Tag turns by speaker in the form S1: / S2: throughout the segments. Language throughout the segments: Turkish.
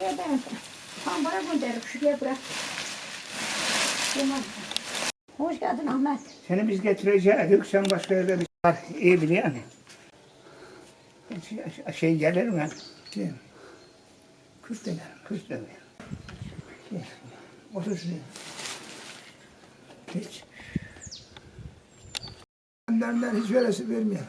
S1: Şuraya ben tambara gönderip şuraya bırak. Tamam. Hoş geldin Ahmet.
S2: Seni biz getireceğiz. Sen başka yerde bir var. İyi biliyor musun? Şey gelir mi? Şey, Kürt dener. Kürt dener. Şey, otur şuraya. Hiç. Benden hiç veresi vermiyor.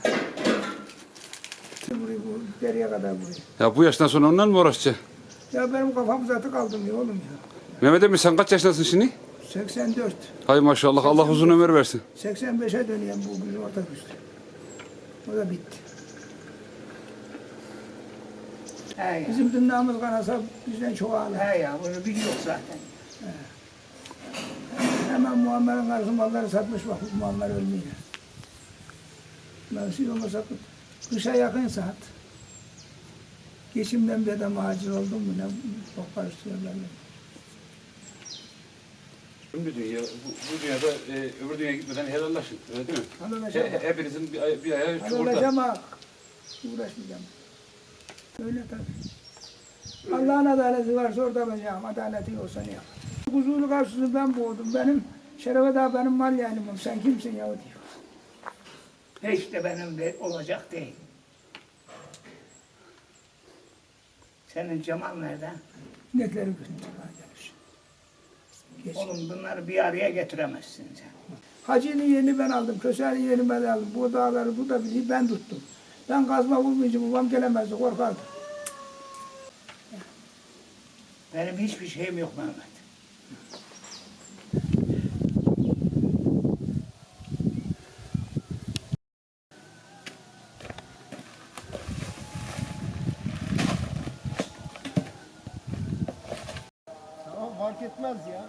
S2: Burayı bu deriye kadar burayı.
S3: Ya bu yaştan sonra ondan mı uğraşacaksın?
S2: Ya benim kafam zaten kaldım ya oğlum ya.
S3: Mehmet emmi sen kaç yaşındasın şimdi?
S2: 84.
S3: Hay maşallah Allah uzun ömür versin.
S2: 85'e dönüyorum bu bizim otobüste. O da bitti. Bizim dünyamız kanasa bizden çok ağlar. He ya bunu biliyor zaten. Hemen Muammer'in karısı malları satmış bak Muammer ölmüyor. Ben şey olmasa kışa yakın saat. Geçimden bir de macir oldum mu ne çok karıştırıyorlar.
S3: Ömrü dünya, bu dünyada öbür dünyaya gitmeden helallaşın, öyle değil mi?
S2: Helallaşamak.
S3: Hepinizin bir ayağı çukurda.
S2: Helallaşamak. Uğraşmayacağım. Öyle tabii. Allah'ın adaleti varsa orada olacağım. Adaleti yoksa ne yap? Kuzulu karşısını ben boğdum. Benim Şerefe daha benim mal yani. Sen kimsin ya diyor. Hiç de benim de olacak değil. Senin Cemal nerede? Netleri götürdüm. Oğlum bunları bir araya getiremezsin sen. Hacı'nın yerini ben aldım, Köse'nin yerini ben aldım. Bu dağları bu da biliyor, ben tuttum. Ben kazma vurmayınca babam gelemezdi, korkardı. Benim hiçbir şeyim yok Mehmet.
S4: Tamam fark etmez ya.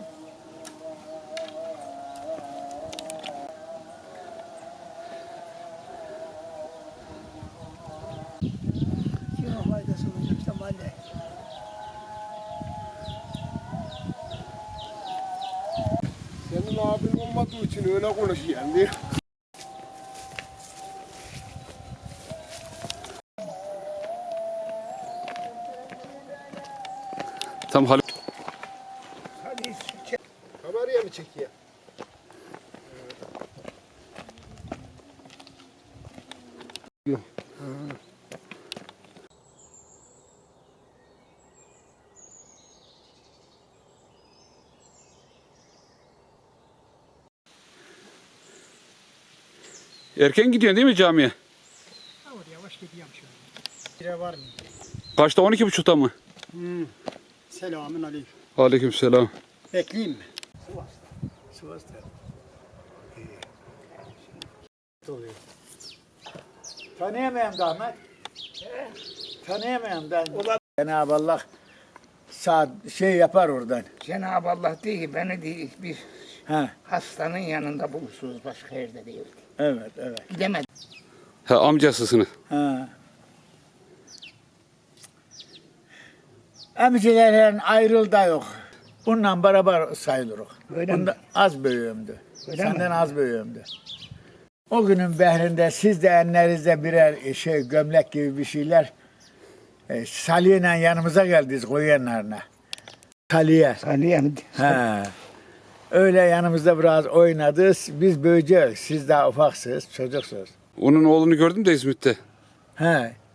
S2: Kime faydası olacak işte mahalle.
S4: Senin abin olmadığı için öyle konuşuyor yani.
S3: Tam Halil.
S2: Hadi çek.
S4: Kameraya mı çekiyor?
S3: Erken gidiyorsun değil mi camiye?
S4: Yavaş gidiyorum şu an. Bire var mı?
S3: Kaçta 12.30'da mı?
S4: Selamün aleyküm.
S3: Aleykümselam.
S4: Bekleyeyim mi?
S2: Sivas'ta.
S4: Oluyor. Tanıyamayan da Ahmet. Tanıyamayan da. Cenab-ı Allah şey yapar oradan.
S2: Cenab-ı Allah değil ki beni değil bir
S4: Ha,
S2: hastanın yanında bulursunuz başka yerde değil.
S4: evet, evet.
S2: Gidemedim.
S3: Ha amcasısınız.
S4: Ha. Emcilerin ayrıl da yok. Bununla beraber sayılırız.
S2: Öyle mi?
S4: Bunda az büyüğümdü.
S2: Öyle
S4: Senden
S2: mi?
S4: az büyüğümdü. O günün behrinde siz de ellerinizde birer gömlek gibi bir şeyler Salih'le yanımıza geldiniz koyu yanlarına. Salih'e.
S2: Salih mi?
S4: Ha. Öyle yanımızda biraz oynadınız. Biz büyüyeceğiz. Siz daha ufaksınız, çocuksunuz.
S3: Onun oğlunu gördüm de İzmit'te.
S4: Ha.